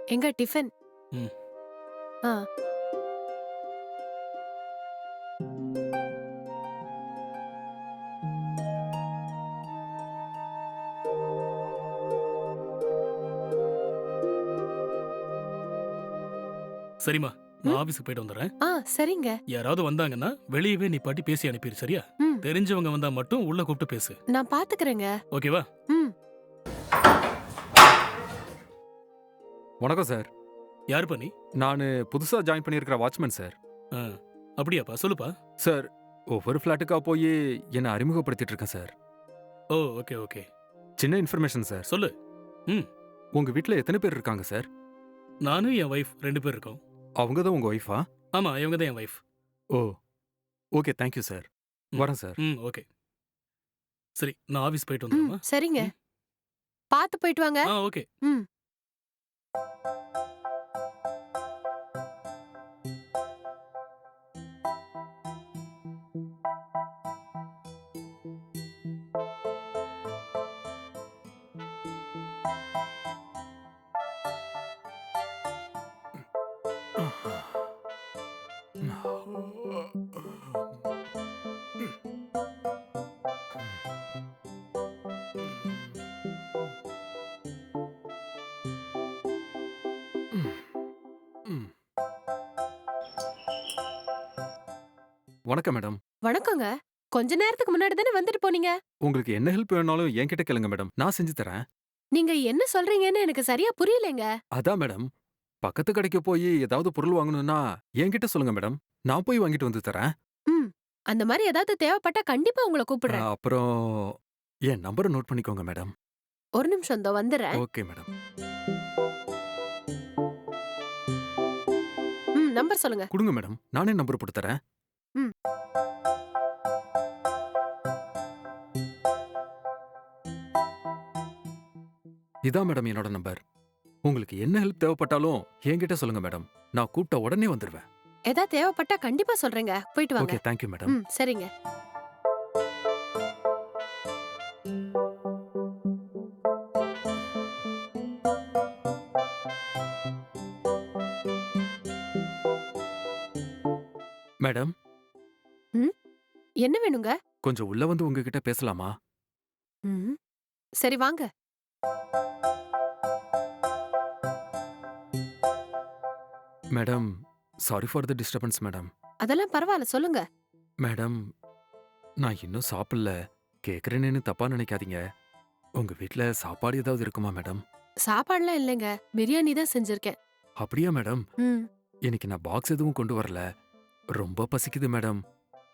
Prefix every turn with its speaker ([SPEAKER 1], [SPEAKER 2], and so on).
[SPEAKER 1] எங்க டிஃபன்?
[SPEAKER 2] ம்.
[SPEAKER 1] ஆ.
[SPEAKER 2] சரிம்மா, நான்
[SPEAKER 1] ம்.
[SPEAKER 2] ஆபீஸ்க்கு போயிட்டு வந்துடுறேன்.
[SPEAKER 1] சரிங்க.
[SPEAKER 2] யாராவது வந்தாங்கன்னா வெளியவே நிப்பாட்டி பேசி அனுப்பிரு, சரியா?
[SPEAKER 1] ம்.
[SPEAKER 2] தெரிஞ்சவங்க வந்தா மட்டும் உள்ள கூப்பிட்டு பேசு.
[SPEAKER 1] நான் பாத்துக்கறேங்க.
[SPEAKER 2] ஓகேவா?
[SPEAKER 1] ம்.
[SPEAKER 3] வணக்கம் சார்.
[SPEAKER 2] யாருப்பா நீ?
[SPEAKER 3] நானு புதுசா ஜாயின் பண்ணியிருக்கிற வாட்ச்மேன் சார்.
[SPEAKER 2] ஆ, அப்படியாப்பா, சொல்லுப்பா.
[SPEAKER 3] சார், ஒவ்வொரு ஃப்ளாட்டுக்கா போய் என்ன அறிமுகப்படுத்திட்டு இருக்கேன் சார்.
[SPEAKER 2] ஓ, ஓகே ஓகே.
[SPEAKER 3] சின்ன இன்ஃபர்மேஷன் சார்.
[SPEAKER 2] சொல்லு.
[SPEAKER 3] உங்க வீட்ல எத்தனை பேர் இருக்காங்க சார்?
[SPEAKER 2] நானும் என் வைஃப் 2 பேர் இருக்கோம்.
[SPEAKER 3] அவங்க தான் உங்க ஒய்ஃபா?
[SPEAKER 2] ஆமா, இவங்க தான் என் வைஃப்.
[SPEAKER 3] ஓ, ஓகே, தேங்க்யூ சார்.
[SPEAKER 2] ம்.
[SPEAKER 3] வரேன் சார்.
[SPEAKER 2] ஓகே. சரி, நான் ஆபீஸ் போயிட்டு
[SPEAKER 1] ம்.
[SPEAKER 2] வந்துடுறேம்மா.
[SPEAKER 1] சரிங்க.
[SPEAKER 2] ம்.
[SPEAKER 1] பாத்து போயிட்டு வாங்க.
[SPEAKER 2] ஓகே.
[SPEAKER 1] ம்.
[SPEAKER 3] ம். வணக்கம் மேடம்.
[SPEAKER 1] வணக்கங்க. கொஞ்ச நேரத்துக்கு முன்னாடி தானே வந்துட்டு போனீங்க.
[SPEAKER 3] உங்களுக்கு என்ன ஹெல்ப் வேணாலும் என்கிட்ட கேளுங்க மேடம். நான் செஞ்சு தரேன்.
[SPEAKER 1] நீங்க என்ன சொல்றீங்கன்னு எனக்கு சரியா புரியலங்க.
[SPEAKER 3] அதான் மேடம், பக்கத்து கடைக்கு போய் ஏதாவது பொருள் வாங்கணும்னா என்கிட்ட சொல்லுங்க மேடம். நான் போய் வாங்கிட்டு வந்து தரேன்.
[SPEAKER 1] ம். அந்த மாரி ஏதாவது தேவைப்பட்டா கண்டிப்பா உங்கள கூப்பிடுறேன்.
[SPEAKER 3] அப்புறம் என் நம்பரை நோட் பண்ணிக்கோங்க மேடம்.
[SPEAKER 1] ஒரு நிமிஷம் இதோ வந்துடுறேன்.
[SPEAKER 3] Okay madam.
[SPEAKER 1] நம்பர் சொல்லுங்க.
[SPEAKER 3] கொடுங்க மேடம். நானே நம்பர் போட்டு தரேன்.
[SPEAKER 1] ம்.
[SPEAKER 3] இதான் மேடம் என்னோட நம்பர். உங்களுக்கு என்ன ஹெல்ப் தேவைப்பட்டாலும் என்கிட்ட சொல்லுங்க மேடம். நான் கூப்பிட்ட உடனே வந்துருவேன்.
[SPEAKER 1] ஏதாவது தேவைப்பட்டா கண்டிப்பா சொல்றேங்க. போயிட்டு வாங்க.
[SPEAKER 3] Okay, thank you madam.
[SPEAKER 1] சரிங்க.
[SPEAKER 3] மேடம்,
[SPEAKER 1] ம். என்ன வேணுங்க?
[SPEAKER 3] கொஞ்சம் உள்ள வந்து உங்ககிட்ட பேசலாமா?
[SPEAKER 1] ம். சரி வாங்க.
[SPEAKER 3] Madam, sorry for the disturbance madam.
[SPEAKER 1] அதெல்லாம் பரவாயில்ல சொல்லுங்க.
[SPEAKER 3] மேடம், நான் இன்னும் சாப்பிடல. கேக்குறேன்னு தப்பா நினைக்காதீங்க. உங்க வீட்ல சாப்பாடு ஏதாவது இருக்குமா மேடம்?
[SPEAKER 1] சாப்பாடுலாம் இல்லைங்க. பிரியாணி தான் செஞ்சிருக்கேன்.
[SPEAKER 3] அப்படியா மேடம்?
[SPEAKER 1] ம்.
[SPEAKER 3] இன்னைக்கு நான் பாக்ஸ் எதுவும் கொண்டு வரல. ரொம்ப பசிக்குது மேடம்.